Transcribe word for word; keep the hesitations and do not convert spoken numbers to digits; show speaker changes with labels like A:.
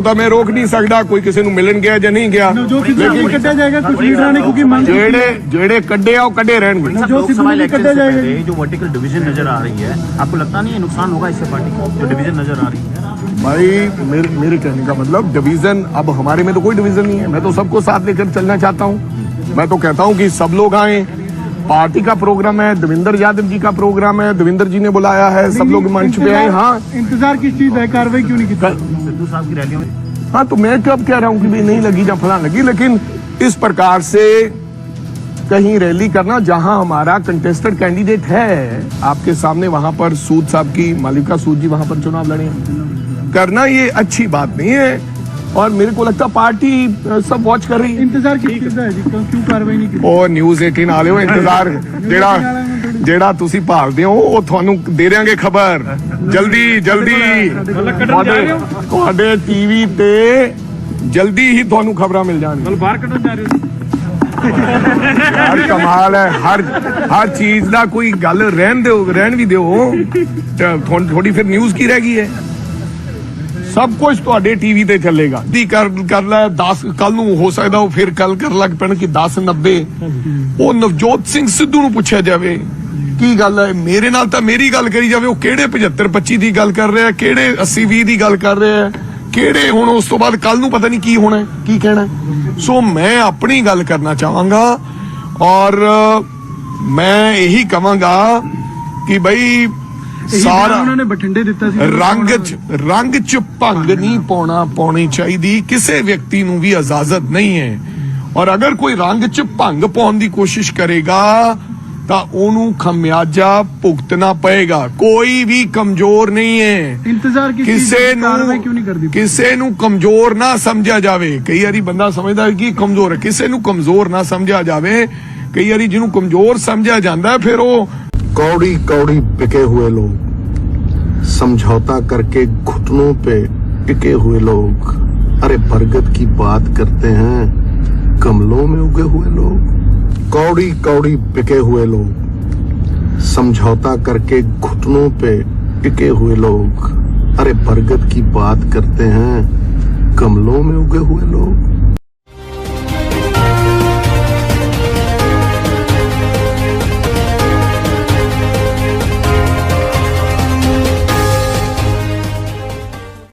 A: ਤਾਂ ਮੈਂ ਰੋਕ ਨਹੀਂ ਸਕਦਾ, ਕੋਈ ਕਿਸੇ ਨੂੰ ਮਿਲਣ ਗਿਆ ਜਾਂ ਨਹੀਂ ਗਿਆ,
B: ਲੇਕਿन ਕੱਢਿਆ ਜਾਏਗਾ ਕੁਝ ਲੀਡਰਾਂ ਨੇ ਕਿਉਂਕਿ ਮੰਗ
A: ਜਿਹੜੇ ਜਿਹੜੇ ਕੱਢੇ ਆ ਉਹ ਕੱਢੇ ਰਹਿਣਗੇ।
B: जो सिद्धू ने ਕੱਢਿਆ जाएगा
C: जो वर्टिकल डिवीजन नजर आ रही है, आपको लगता नहीं है नुकसान होगा इससे पार्टी को, जो डिवीजन नजर आ रही है?
A: भाई मेरे मेरे कहने का मतलब डिवीजन, अब हमारे में तो कोई डिवीजन नहीं है, मैं तो सबको साथ लेकर चलना चाहता हूँ। मैं तो कहता हूँ कि सब लोग आए, पार्टी का प्रोग्राम है, देवेंद्र यादव जी का प्रोग्राम है, देवेंद्र जी ने बुलाया है, सब लोग मंच पे आए। हाँ,
B: इंतजार किस चीज है, कार्रवाई क्यों नहीं की
C: सिद्धू साहब की रैलियों में?
A: हाँ, तो मैं कब कह रहा हूँ कि भाई नहीं लगी या फलां लगी, लेकिन इस प्रकार से कहीं रैली करना जहां हमारा कंटेस्टेड कैंडिडेट है आपके सामने, वहां पर सूद साहब की, मालिका सूद जी वहां पर चुनाव लड़े, करना ये अच्छी बात नहीं है। और मेरे को लगता पार्टी सब वॉच कर रही है।
B: इंतजार किस चीज है जी, क्यों क्यों कार्रवाई नहीं की?
A: ਉਹ ਨਿਊਜ਼ ਅਠਾਰਾਂ ਵਾਲੇ ਹੋ, ਇੰਤਜ਼ਾਰ ਜਿਹੜਾ ਜਿਹੜਾ ਤੁਸੀਂ ਭਾਲਦੇ ਹੋ ਉਹ ਤੁਹਾਨੂੰ ਦੇ ਦਿਆਂਗੇ ਖਬਰ ਜਲਦੀ ਜਲਦੀ, ਤੁਹਾਡੇ ਤੁਹਾਡੇ ਟੀਵੀ ਤੇ ਜਲਦੀ ਹੀ ਤੁਹਾਨੂੰ ਖਬਰਾਂ ਮਿਲ ਜਾਣਗੀਆਂ।
B: ਬਾਹਰ ਕੱਢਣ ਜਾ ਰਹੇ ਹੋ?
A: यार कमाल है, हर हर चीज का कोई गल रहन दो, रहन भी दो, थोड़ी फिर न्यूज की रह गई है। सब कुछ ਤੁਹਾਡੇ ਟੀਵੀ ਤੇ ਚੱਲੇਗਾ। ਦੀ ਕਰ ਕਰ ਲੈ ਦਸ, ਕੱਲ ਨੂੰ ਹੋ ਸਕਦਾ ਉਹ ਫਿਰ ਕੱਲ ਕਰ ਲੱਗ ਪੈਣ ਕਿ ਦਸ ਨੱਬੇ ਉਹ ਨਵਜੋਤ ਸਿੰਘ ਸਿੱਧੂ ਨੂੰ ਪੁੱਛਿਆ ਜਾਵੇ ਕੀ ਗੱਲ ਹੈ, ਮੇਰੇ ਨਾਲ ਤਾਂ ਮੇਰੀ ਗੱਲ ਕਰੀ ਜਾਵੇ, ਉਹ ਕਿਹੜੇ ਪਝੱਤਰ ਪੱਚੀ ਦੀ ਗੱਲ ਕਰ ਰਿਹਾ, ਕਿਹੜੇ अस्सी ਵੀਹ ਦੀ ਗੱਲ ਕਰ ਰਿਹਾ, ਕਿਹੜੇ ਹੁਣ ਉਸ ਤੋਂ ਬਾਅਦ ਕੱਲ ਨੂੰ ਪਤਾ ਨਹੀਂ ਕੀ ਹੋਣਾ ਕੀ ਕਹਿਣਾ। ਸੋ ਮੈਂ ਆਪਣੀ ਗੱਲ ਕਰਨਾ ਚਾਹਾਂਗਾ ਔਰ ਮੈਂ ਇਹੀ ਕਹਾਂਗਾ ਕਿ ਬਈ ਸਾਰਾ
B: ਉਹਨਾਂ ਨੇ ਬਠਿੰਡੇ ਦਿੱਤਾ ਸੀ,
A: ਰੰਗ ਚ ਰੰਗ ਚ ਭੰਗ ਨਹੀਂ ਪਾਉਣਾ ਪਾਉਣੀ ਚਾਹੀਦੀ, ਕਿਸੇ ਵਿਅਕਤੀ ਨੂੰ ਵੀ ਇਜਾਜ਼ਤ ਨਹੀਂ ਹੈ। ਔਰ ਅਗਰ ਕੋਈ ਰੰਗ ਚ ਭੰਗ ਪਾਉਣ ਦੀ ਕੋਸ਼ਿਸ਼ ਕਰੇਗਾ ਤਾਂ ਉਹਨੂੰ ਖਮਿਆਜਾ ਭੁਗਤਣਾ ਪਏਗਾ। ਕੋਈ ਵੀ ਕਮਜ਼ੋਰ ਨਹੀਂ ਹੈ,
B: ਇੰਤਜ਼ਾਰ
A: ਕਿਸੇ ਨੂੰ
B: ਕਿਉਂ ਨਹੀਂ ਕਰਦੀ?
A: ਕਿਸੇ ਨੂੰ ਕਮਜ਼ੋਰ ਨਾ ਸਮਝਿਆ ਜਾਵੇ। ਕਈ ਵਾਰੀ ਬੰਦਾ ਸਮਝਦਾ ਕਿ ਕਮਜ਼ੋਰ ਹੈ, ਕਿਸੇ ਨੂੰ ਕਮਜ਼ੋਰ ਨਾ ਸਮਝਿਆ ਜਾਵੇ। ਕਈ ਵਾਰੀ ਜਿਹਨੂੰ ਕਮਜ਼ੋਰ ਸਮਝਿਆ ਜਾਂਦਾ ਫਿਰ ਉਹ
D: कौड़ी कौड़ी बिके हुए लोग, समझौता करके घुटनों पे टिके हुए लोग, अरे बरगद की बात करते हैं, गमलों में उगे हुए लोग। कौड़ी कौड़ी बिके हुए लोग, समझौता करके घुटनों पे टिके हुए लोग, अरे बरगद की बात करते हैं, गमलों में उगे हुए लोग।